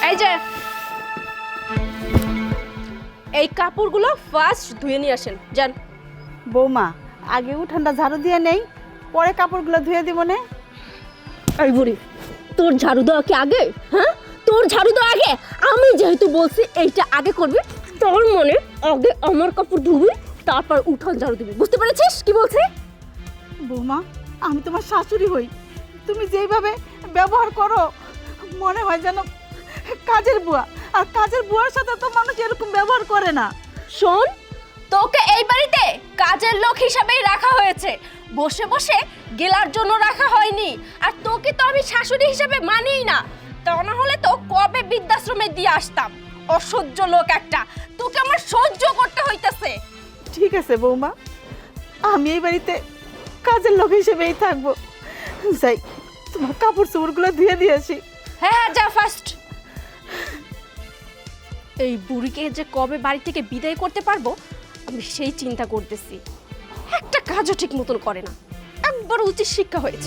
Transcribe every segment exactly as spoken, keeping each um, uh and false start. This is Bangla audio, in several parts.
এই যে এই কাপড়গুলো ফার্স্ট ধুয়ে নিয়ে আসেন যান। বৌমা আগে উঠানটা ঝাড়ু দিয়ে নেই, পরে কাপড়গুলো ধুয়ে দিব নে। এই বুড়ি, তোর ঝাড়ু দেওয়া কি আগে? হ্যাঁ, তোর ঝাড়ু দেওয়া আগে? আমি যেহেতু বলছি এইটা আগে করবি, তোর মনে আগে আমার কাপড় ধুবি, তারপর উঠান ঝাড়ু দিবি। বুঝতে পেরেছিস কি বলছি? বৌমা আমি তোমার শাশুড়ি হই, তুমি যেইভাবে ব্যবহার করো মনে হয় যেন কাজের বুয়া, আর কাজের বুয়ার সাথে তো মানুষ এরকম ব্যবহার করে না। শোন, তোকে এই বাড়িতে কাজের লোক হিসাবেই রাখা হয়েছে, বসে বসে গেলার জন্য রাখা হয়নি। আর তোকে তো আমি শাশুড়ি হিসাবে মানিই না, তা না হলে তো কবে বৃদ্ধাশ্রমে দিয়ে আসতাম। অসহ্য লোক একটা, তোকে আমার সহ্য করতে হইতেছে। ঠিক আছে বৌমা, আমি এই বাড়িতে কাজের লোক হিসেবেই থাকবো। যাই তোমার কাপড় চোপড়গুলো ধুয়ে দিয়ে আসি। হ্যাঁ হ্যাঁ যা ফার্স্ট। এই বুড়িকে যে কবে বাড়ি থেকে বিদায় করতে পারবো আমি সেই চিন্তা করতেছি। একটা কাজও ঠিক মতন করে না, একবার উচিত শিক্ষা হয়েছে।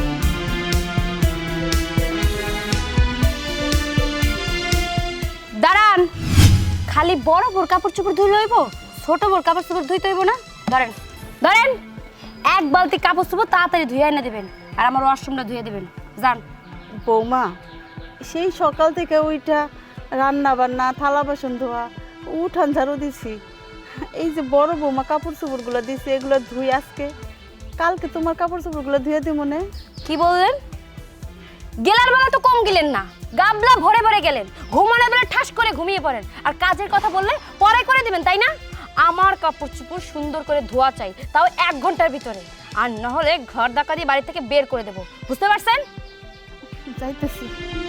দাঁড়ান, খালি বড় বড় কাপড় চোপড় ধুই লইব, ছোট বড় কাপড় চোপড় ধুইতে হইব না? ধরেন ধরেন, এক বালতি কাপড় চোপড় তাড়াতাড়ি ধুয়ে এনে দেবেন, আর আমার ওয়াশরুমটা ধুয়ে দেবেন। যান। বৌমা সেই সকাল থেকে ওইটা রান্না বান্না থালা বাসন ধোয়া উঠান ঝাড়ু দিছি, এই যে বড় বৌমা কাপড় চোপড়গুলো দিছে এগুলো ধুই আজকে, কালকে তোমার কাপড় চোপড়গুলো ধুয়ে দিব মনে। কি বললেন? গেলার বেলা তো কম গেলেন না, গাবলা ভরে ভরে গেলেন, ঘুমানোর বেলা ঠাস করে ঘুমিয়ে পড়েন, আর কাজের কথা বললে পরে করে দিবেন, তাই না? আমার কাপড় চোপড় সুন্দর করে ধোয়া চাই, তাও এক ঘন্টার ভিতরে, আর না হলে ঘর ধাক্কা দিয়ে বাড়ি থেকে বের করে দেবো। বুঝতে পারছেন? যাইতেছি।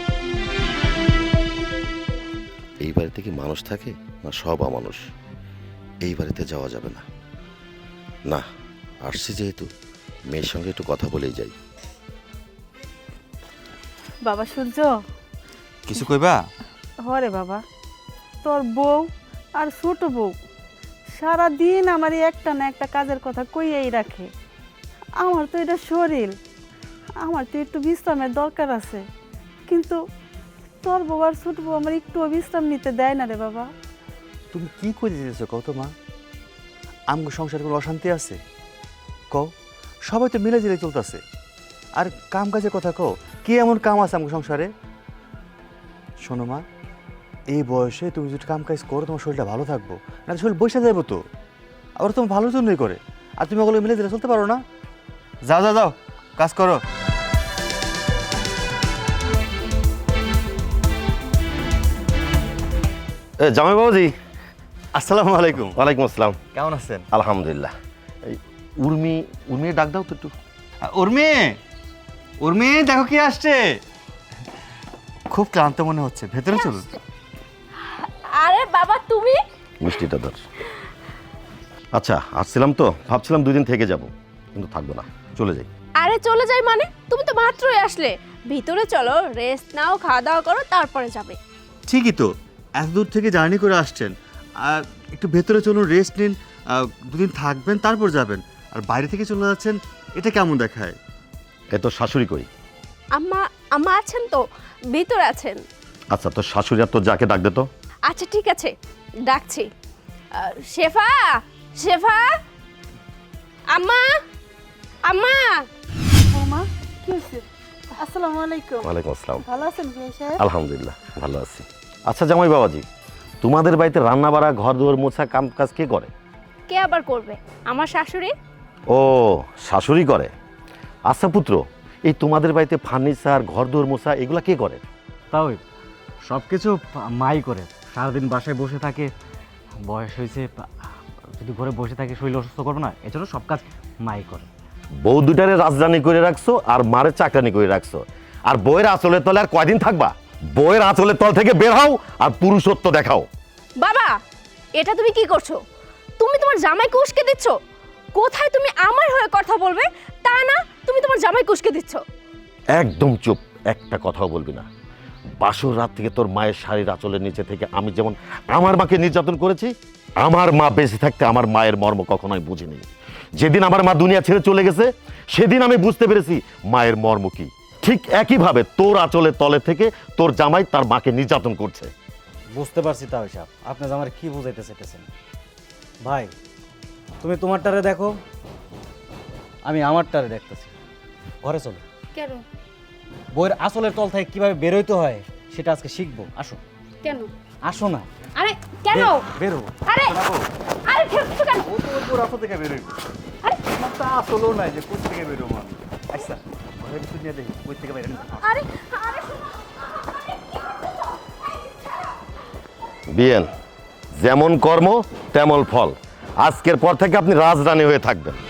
এই বাড়িতে কি মানুষ থাকে না সব অমানুষ? এই বাড়িতে যাওয়া যাবে না। না, আসছি যেহেতু মেয়ের সঙ্গে একটু কথা বলেই যাই। বাবা সূর্য, কিছু কইবা? হরে বাবা, তোর বউ আর ছোট বউ সারা দিন আমার এই একটা না একটা কাজের কথা কইয়াই রাখে। আমার তো এটা শরীর, আমার তো একটু বিশ্রামের দরকার আছে, কিন্তু তোর বউ আর ছোট বউ আমার একটু বিশ্রাম নিতে দেয় না রে বাবা। তুমি কি করে দিতেছো কও তো মা? আমগো সংসারে কোনো অশান্তি আছে? কও, সবাই তো মিলে জিলে চলতেছে, আর কাম কাজের কথা কও, কি এমন কাম আছে আমগো সংসারে? শোনো মা, এই বয়সে তুমি যদি কাম কাজ করো তোমার শরীরটা ভালো থাকবো, না শরীর বসে যাবো তো, আবার তোমার ভালোর জন্যই করে, আর তুমি ওগুলো মিলে জিলে চলতে পারো না? যাও যাও যাও, কাজ করো। এ জামাই বাবুজি, আসসালামু আলাইকুম। ওয়ালাইকুম আসসালাম। কেমন আছেন? আলহামদুলিল্লাহ। এই উর্মি, উর্মি ডাক দাও তো একটু। উর্মি, উর্মি দেখো কি আসছে। খুব ক্লান্ত মনে হচ্ছে, ভেতরে চলুন। আরে বাবা তুমি? মিষ্টিটা ধর। আচ্ছা, আসছিলাম তো ভাবছিলাম দুই দিন থেকে যাব, কিন্তু থাকবো না, চলে যাই। আরে চলে যাই মানে? তুমি তো মাত্রই আসলে, ভিতরে চলো, রেস্ট নাও, খাওয়া দাওয়া করো, তারপরে যাবে। ঠিকই তো, এত দূর থেকে জার্নি করে আসছেন, আর একটু ভেতরে চলুন, রেস্ট নিন, দুদিন থাকবেন তারপর যাবেন, আর বাইরে থেকে চলে যাচ্ছেন, এটা কেমন দেখায়? এ তো শাশুড়ি কই? আম্মা, আম্মা আছেন তো, ভিতরে আছেন। আচ্ছা, তোর শাশুড়ি আর তোর যাকে ডাক দে তো। আচ্ছা ঠিক আছে, ডাকছি। আহ, শেফা, শেফা, আম্মা, আম্মা। বৌমা কি হয়েছে? আসসালামু আলাইকুম। ওয়ালাইকুম আসসালাম। ভালো আছেন ভাই সাহেব? আলহামদুলিল্লাহ ভালো আছি। আচ্ছা জামাই বাবাজি, তোমাদের বাড়িতে রান্না বাড়া, ঘর দুয়ার মোছা, কাম কাজ কে করে? কে আবার করবে? আমার শাশুড়ি। ও, শাশুড়ি করে। আচ্ছা পুত্র, এই তোমাদের বাড়িতে ফার্নিচার, ঘর দুয়ার মোছা এগুলা কে করে? তাও সব কিছু মাই করে, সারাদিন বাসায় বসে থাকে, বয়স হয়েছে, যদি ঘরে বসে থাকে শরীর অসুস্থ করবো না, এজন্য সব কাজ মাই করে। বউ দুটারে রাজধানী করে রাখছো আর মারে চাকরানি করে রাখছো, আর বউয়ের আঁচলের তলে আর কয়দিন থাকবা? বউয়ের আঁচলের তল থেকে বের হও আর পুরুষত্ব দেখাও। বাবা, এটা তুমি কি করছো? তুমি তোমার জামাইকে উস্কে দিচ্ছ। কোথায় তুমি আমার হয়ে কথা বলবে তা না, তুমি তোমার জামাইকে উস্কে দিচ্ছ। একদম চুপ, একটা কথাও বলবি না। বাসর রাত থেকে তোর মায়ের শাড়ির আঁচলের নিচে থেকে আমি যেমন আমার মাকে নির্যাতন করেছি, আমার মা বেঁচে থাকতে আমার মায়ের মর্ম কখনোই বুঝিনি। যেদিন আমার মা দুনিয়া ছেড়ে চলে গেছে সেদিন আমি বুঝতে পেরেছি মায়ের মর্ম কি। ঠিক একইভাবে তোর আঁচলের তলে থেকে তোর জামাই তার মাকে নির্যাতন করছে। বুঝতে পারছি তাও সাহেব, আপনি আমার কি বুঝাইতে চাইতেছেন। ভাই তুমি তোমারটারে দেখো, আমি আমারটারে দেখতেছি। ঘরে চলো, কেন? বইয়ের আসলের তল থেকে কিভাবে বেরোইতে হয় সেটা আজকে শিখবো। আসো। কেন? আসো না। আরে কেন? বেরো। আরে আরে ঠেকছো কেন? ও তো ওর রাস্তা থেকে বেরোইব। আরে আমার তা আসলেও নাই যে কোথা থেকে বেরোবো আমি। আচ্ছা ঘরের ভিতর নিয়ে দেখি কই থেকে বেরোনো। আরে আরে বিয়েন, যেমন কর্ম তেমন ফল। আজকের পর থেকে আপনি রাজরানী হয়ে থাকবেন।